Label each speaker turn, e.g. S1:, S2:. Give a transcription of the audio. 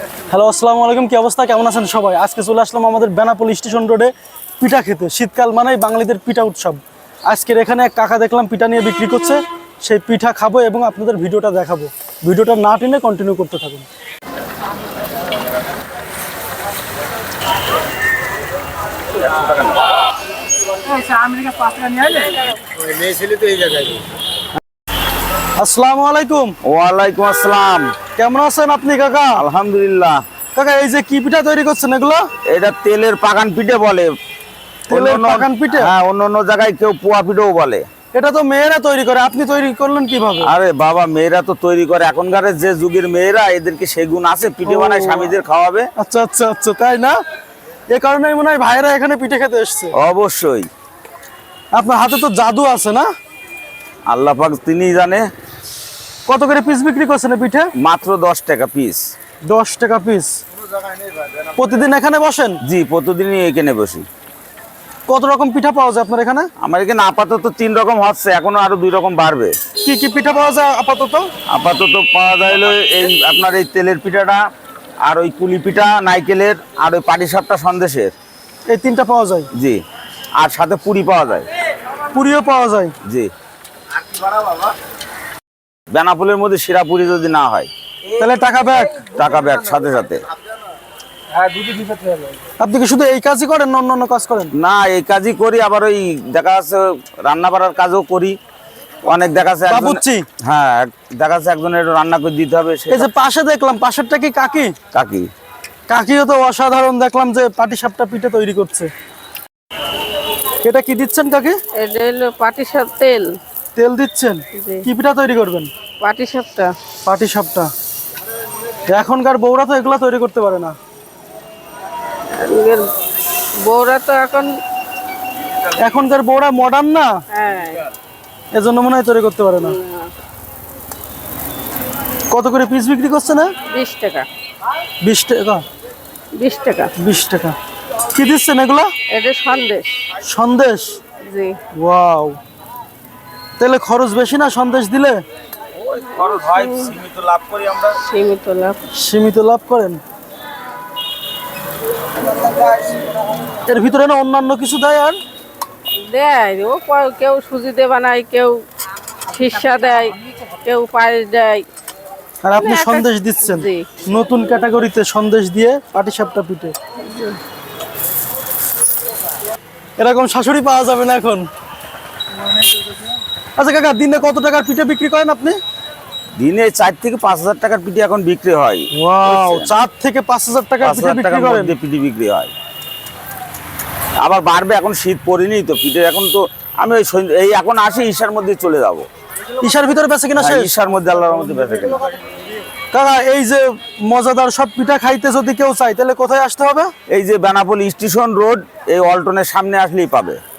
S1: Hello, আসসালামু আলাইকুম। কি অবস্থা, কেমন আছেন সবাই? আজকে চলে আসলাম আমাদের বেনাপোল স্টেশন রোডে পিঠা খেতে। শীতকাল মানেই বাঙালিদের পিঠা উৎসব। আজকের এখানে এক কাকা দেখলাম পিঠা নিয়ে বিক্রি করছে, সেই পিঠা খাবো এবং আপনাদের ভিডিওটা দেখাবো। ভিডিওটা না টেনে কন্টিনিউ করতে থাকুন। আসসালামু আলাইকুম।
S2: ওয়ালাইকুম আসসালাম।
S1: কেমন আছেন আপনি কাকা?
S2: আলহামদুলিল্লাহ।
S1: কাকা, এই যে কি পিঠা তৈরি করছেন এগুলো?
S2: এটা তেলের পাকান পিঠে বলে।
S1: তেলের পাকান পিঠে?
S2: হ্যাঁ, অন্য জায়গায় কেউ পোয়া পিঠেও বলে।
S1: এটা তো মেয়েরা তৈরি করে, আপনি তৈরি করলেন কিভাবে?
S2: আরে বাবা, মেয়েরা তো তৈরি করে। এখনকার যে যুগের মেয়েরা, এদেরকে সেগুন আছে, পিঠে বানায় স্বামীদের খাওয়াবে।
S1: আচ্ছা আচ্ছা আচ্ছা, তাই না? এ কারণেই মনে হয় ভাইরা এখানে পিঠে খেতে এসছে।
S2: অবশ্যই।
S1: আপনার হাতে তো জাদু আছে না?
S2: আল্লাহ পাক তিনিই জানে।
S1: কত করে পিস বিক্রি করছেন এই পিঠে?
S2: মাত্র 10 টাকা পিস।
S1: 10 টাকা পিস। প্রতিদিন এখানে বসেন?
S2: জি, প্রতিদিনই এখানে বসি।
S1: কত রকম পিঠা পাওয়া যায় আপনার এখানে?
S2: আমার এখানে আপাতত 3 রকম হচ্ছে, এখনো আরো 2 রকম বাড়বে।
S1: কি কি পিঠা পাওয়া যায় আপাতত?
S2: আপাতত পাওয়া যায় হলো এই আপনার এই তেলের পিঠাটা, আর ওই কুলি পিঠা নাইকেলের, আর ওই পাটিসাপটা সন্দেশের।
S1: এই তিনটা পাওয়া যায়?
S2: জি। আর সাথে পুরি পাওয়া যায়।
S1: পুরিও পাওয়া যায়?
S2: জি। বেনাপোলের মধ্যে সেরা পুরি যদি না হয়
S1: তাহলে টাকা ব্যাক?
S2: টাকা ব্যাক সাথে সাথে।
S1: আপনি কি শুধু এই কাজই করেন না অন্য কাজ করেন?
S2: না, এই কাজই করি, আবার ওই দেখা যাচ্ছে রান্না বাড়ার কাজও করি। অনেক দেখা যাচ্ছে
S1: বাবুর্চি?
S2: হ্যাঁ, দেখা যাচ্ছে একজনের রান্না করে দিতে হবে।
S1: এই যে পাশে দেখলাম, পাশেরটা কি কাকি?
S2: কাকি।
S1: কাকিও তো অসাধারণ দেখলাম যে পাটিসাপটা পিঠে তৈরি করছে। এটা কি দিচ্ছেন কাকি?
S3: এটা হলো পাটিসাপ তেল।
S1: তেল দিচ্ছেন?
S3: জি।
S1: কি পিঠা তৈরি করবেন?
S3: পাটিসাপটা।
S1: পাটিসাপটা। এখনকার বউরা তো এগুলা তৈরি করতে পারে না।
S3: বউরা তো
S1: এখনকার বউরা মডার্ন না,
S3: হ্যাঁ,
S1: এজন্য মনে হয় তৈরি করতে পারে না। কত করে পিস বিক্রি করছে না?
S3: 20 টাকা।
S1: 20 টাকা?
S3: 20 টাকা।
S1: 20 টাকা। কি দিচ্ছেন এগুলা?
S3: এটা সন্দেশ।
S1: সন্দেশ?
S3: জি।
S1: ওয়াও, তাহলে খরচ বেশি না সন্দেশ দিলে?
S2: খরচ হয়, সীমিত লাভ করি আমরা।
S3: সীমিত লাভ।
S1: সীমিত লাভ করেন। এর ভিতরে না অন্যান্য কিছু দেয়? আর
S3: দেয় ও, কেউ সুজিতে বানায়, কেউ শিরসা দেয়, কেউ পায়েস দেয়।
S1: আর আপনি সন্দেশ দিচ্ছেন?
S3: জি।
S1: নতুন ক্যাটাগরিতে সন্দেশ দিয়ে পাটিসাপটা পিঠে। এরকম শাশুড়ি পাওয়া যাবে না এখন। আচ্ছা কাকা, দিনে কত টাকার পিঠে বিক্রি করেন আপনি?
S2: দিনে 4 থেকে 5 হাজার টাকার পিঠে এখন বিক্রি হয়।
S1: ওয়াও, 4 থেকে 5,000 টাকার
S2: 5
S1: পিঠে
S2: হাজার
S1: বিক্রি
S2: টাকার
S1: করেন?
S2: মধ্যে পিঠে বিক্রি হয়। আবার বাড়বে, এখন শীত পড়েনি তো পিঠে। এখন তো আমি এই এখন আসি, ঈশার মধ্যে চলে যাবো।
S1: ঈশার ভিতরে বেঁচে কিনা শেষ?
S2: ঈশার মধ্যে আল্লাহর মধ্যে বেঁচে কিনা।
S1: কাকা, এই যে মজাদার সব পিঠা খাইতে যদি কেউ চায় তাহলে কোথায় আসতে হবে?
S2: এই যে বেনাপোল স্টেশন রোড, এই অল্টনের সামনে আসলেই পাবে।